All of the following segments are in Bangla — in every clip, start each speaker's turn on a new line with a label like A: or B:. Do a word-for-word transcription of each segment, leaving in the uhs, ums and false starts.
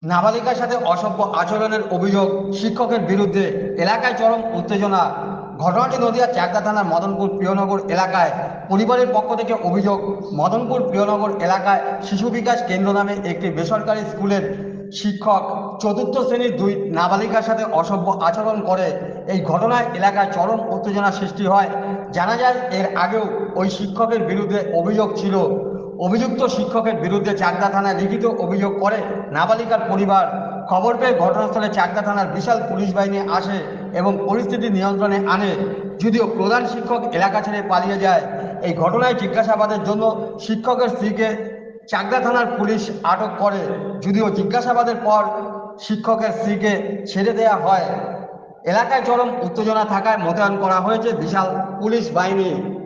A: নাবালিকার সাথে অসভ্য আচরণের অভিযোগ শিক্ষকের বিরুদ্ধে, এলাকায় চরম উত্তেজনা। ঘটনাটি নদিয়ার চাকদা থানার মদনপুর প্রিয়নগর এলাকায়। পরিবারের পক্ষ থেকে অভিযোগ, মদনপুর প্রিয়নগর এলাকায় শিশু বিকাশ কেন্দ্র নামে একটি বেসরকারি স্কুলের শিক্ষক চতুর্থ শ্রেণীর দুই নাবালিকার সাথে অসভ্য আচরণ করে। এই ঘটনায় এলাকায় চরম উত্তেজনা সৃষ্টি হয়। জানা যায়, এর আগেও ওই শিক্ষকের বিরুদ্ধে অভিযোগ ছিল। অভিযুক্ত শিক্ষকের বিরুদ্ধে চাকদা থানায় লিখিত অভিযোগ করে নাবালিকার পরিবার। খবর পেয়ে ঘটনাস্থলে চাকদা থানার বিশাল পুলিশ বাহিনী আসে এবং পরিস্থিতি নিয়ন্ত্রণে আনে, যদিও প্রধান শিক্ষক এলাকা ছেড়ে পালিয়ে যায়। এই ঘটনায় জিজ্ঞাসাবাদের জন্য শিক্ষকের স্ত্রীকে চাকদা থানার পুলিশ আটক করে, যদিও জিজ্ঞাসাবাদের পর শিক্ষকের স্ত্রীকে ছেড়ে দেওয়া হয়। এলাকায় চরম উত্তেজনা থাকায় মোতায়েন করা হয়েছে বিশাল পুলিশ বাহিনী।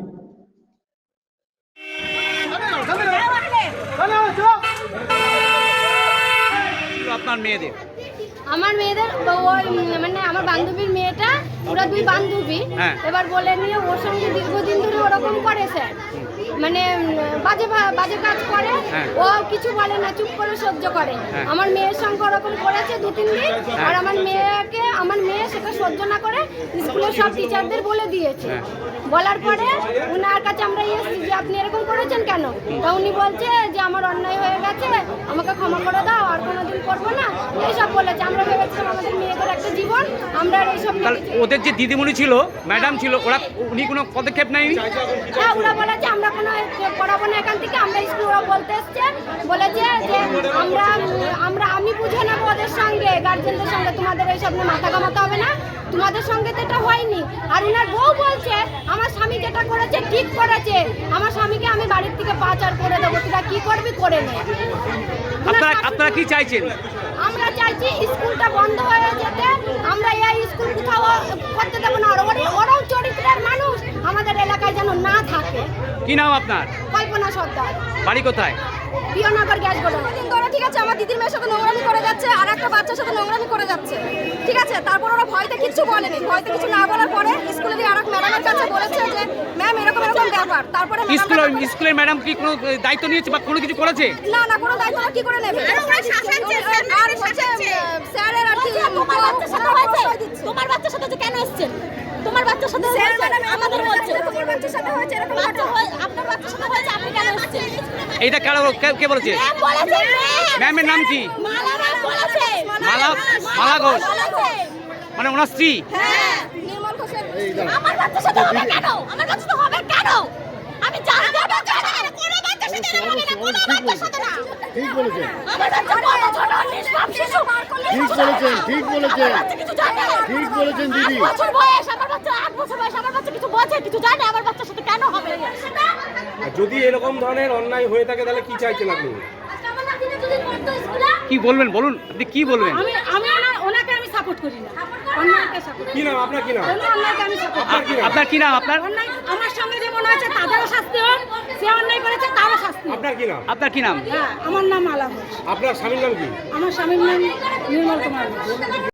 B: আপনার মেয়েদের
C: আমার মেয়েদের ওই মানে আমার বান্ধবীর মেয়েটা, ওরা দুই বান্ধবী।
B: হ্যাঁ।
C: এবার বলে নিয়ে ওর সঙ্গে দীর্ঘদিন ধরে ওরকম করে স্যার, মানে বাজে ভা- বাজে কাজ করে।
B: হ্যাঁ।
C: ও কিছু বলে না, চুপ করে সহ্য করে।
B: হ্যাঁ।
C: আমার মেয়ের সঙ্গে ওরকম করেছে দু তিন দিন। আর আমার মেয়েকে আমার মেয়ে সেটা সহ্য না করে স্কুলের সব টিচারদের বলে দিয়েছে।
B: হ্যাঁ।
C: বলার পরে উনার কাছে আমরা এসেছি যে আপনি এরকম করেছেন কেন। তা উনি বলছে যে আমার অন্যায় হয়ে গেছে, আমাকে ক্ষমা করে দাও, আর কোনোদিন করবো না, এইসব বলেছে। আমরা ভেবেছিলাম আমাদের মেয়েদের একটা জীবন, আমরা আর এইসব নিয়ে
B: তাহলে
C: কিছু-
B: ওদের যে দিদিমণি ছিল, ম্যাডাম ছিল, ওরা উনি কোনো পদক্ষেপ নেয়নি?
C: হ্যাঁ, ওরা বলেছে আমরা কোনো পড়াবো না এখান থেকে। আমরা স্কুল ওরা বলতে এসছে, বলেছে যে আমরা আমরা আমি বুঝে নেবো ওদের সঙ্গে, গার্জেনদের সঙ্গে, তোমাদের এইসব নিয়ে মাথা ঘামাতে হবে না, তোমাদের সঙ্গে তো এটা হয়নি। আর উনার বউ বলছে আমার স্বামী যেটা করেছে ঠিক করেছে, আমার স্বামীকে আমি বাড়ির থেকে পাচার করে দেবো, তোরা কি করবি করে নে।
B: আপনারা আপনারা কি চাইছেন?
C: আমরা চাইছি স্কুলটা বন্ধ হয়ে যেতে, আমরা এই স্কুল কোথাও করতে দেবো না। আর ওরা- ওরাও চরিত্রের মানুষ আমাদের এলাকায় যেন না থাকে।
B: কি নাম আপনার?
C: কল্পনা সর্দার,
B: বাড়ি কোথায়?
C: Priyanagar gas godown.
D: দিন ধরে ঠিক আছে আমার দিদির মেয়ের সাথে নোংরামি করে যাচ্ছে, আর একটা বাচ্চার সাথে নোংরামি করে যাচ্ছে, ঠিক আছে। তারপর ওরা ভয়তে কিচ্ছু বলেনি, ভয়তে কিছু না বলার পরে স্কুলের আর এক ম্যাডামের কাছে বলেছে যে ম্যাম এরকম এরকম ব্যাপার। তারপরে ম্যাডাম
B: স্কুলের স্কুলের ম্যাডাম কি কোনো দায়িত্ব নিয়েছে বা কোনো কিছু করেছে?
D: না না কোনো দায়িত্ব ওরা কি করে নেবে। আর হচ্ছে স্যারের আর কি তোমার বাচ্চার সাথে হয়েছে, তোমার বাচ্চার সাথে যে কেন এসেছেন, তোমার বাচ্চার সাথে আমাদের বলছে তোমার বাচ্চার সাথে হয়েছে এরকম বাচ্চা হয়, আপনার বাচ্চার সাথে হয়েছে, আপনি কেন এসেছেন?
B: এইটা কারো কে- কে বলেছে?
D: ম্যাম বলেছে,
B: ম্যামের নাম কি?
D: মালা ম্যাম বলেছে,
B: মালা মালা ঘোষ,
D: বলেছে।
B: মানে ওনার স্ত্রী।
D: হ্যাঁ, নির্মল ঘোষের আমার বাচ্চার সাথে হবে কেন? আমার বাচ্চা তো হবে কেন? আমি জানতে হবে কেন? কোনো বাচ্চার সাথে এরকম হবে না, কোনো বাচ্চার সাথে না।
E: ঠিক বলেছেন,
D: আমার বাচ্চা বড় ছোট নিষ্পাপ শিশু।
E: ঠিক বলেছেন, ঠিক বলেছেন,
D: আমার বাচ্চা কিছু জানে না।
E: ঠিক বলেছেন দিদি।
D: আট বছর বয়স, আমার বাচ্চা আট বছর বয়স, আমার বাচ্চা কিছু বোঝে, কিছু জানে, আমার বাচ্চার সাথে কেন হবে?
F: আর যদি এরকম ধরনের অন্যায় হয়ে থাকে তাহলে কি চাইছেন আপনি?
D: আমার নাতিটা যদি পড়তো স্কুলে,
B: কি বলবেন বলুন, আপনি কি বলবেন?
C: আমি আমি ওনা- ওনাকে আমি সাপোর্ট করি না, অন্যায়কে সাপোর্ট
F: কি নাম আপনার? কি নাম?
C: কোনো অন্যায়কে আমি সাপোর্ট
F: আপনার কি নাম?
B: আপনার কি নাম? আপনার
C: অন্যায় আমার সঙ্গে যে মনে হচ্ছে তাদেরও শাস্তি হোক, সে অন্যায় করেছে তারও শাস্তি হোক।
F: আপনার কি নাম?
B: আপনার কি নাম?
C: হ্যাঁ, আমার নাম আলা ঘোষ,
F: আপনার স্বামীর নাম কি?
C: আমার স্বামীর নাম নির্মল কুমার ঘোষ।